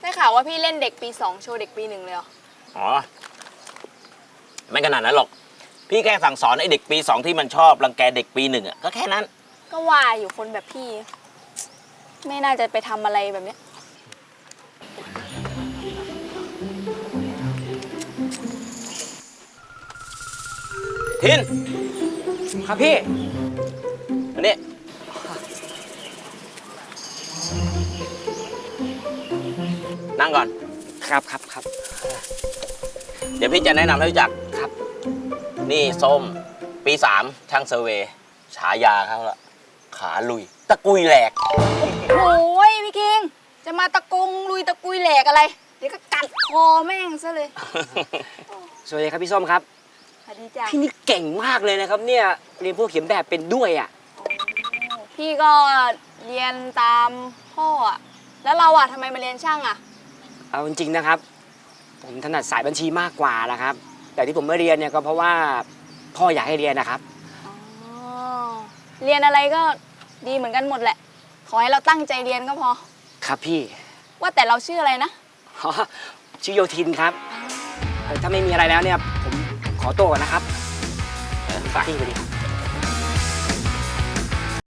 ได้ข่าวว่าพี่เล่นเด็กปี 2โชว์เด็กปี 1เลยเหรออ๋อไม่ขนาดนั้นหรอกพี่แค่สั่งสอนไอ้เด็กปี 2ที่มันชอบรังแกเด็กปี 1อ่ะก็แค่นั้นก็ว่าอยู่คนแบบพี่ไม่น่าจะไปทำอะไรแบบนี้ทินครับพี่อันนี้นั่งก่อนครับเดี๋ยวพี่จะแนะนำให้รู้จักครับนี่ส้มปี 3ช่างเซอร์เวย์ฉายาเขาละขาลุยตะกุยแหลกโอ้ยพี่คิงจะมาตะกงลุยตะกุยแหลกอะไรเดี๋ยวก็กัดคอแม่งซะเลยสวัสดีครับพี่ส้มครับสวัสดีจ้ะพี่นี่เก่งมากเลยนะครับเนี่ยเรียนพวกเขียนแบบเป็นด้วยอ่ะพี่ก็เรียนตามพ่ออะแล้วเราอะทำไมมาเรียนช่างอะเอาจริงๆนะครับผมถนัดสายบัญชีมากกว่านะครับแต่ที่ผมไม่เรียนเนี่ยก็เพราะว่าพ่ออยากให้เรียนนะครับเรียนอะไรก็ดีเหมือนกันหมดแหละขอให้เราตั้งใจเรียนก็พอครับพี่ว่าแต่เราชื่ออะไรนะชื่อโยทินครับถ้าไม่มีอะไรแล้วเนี่ยผมขอตัวก่อนนะครับฝากพี่ไปดีครับ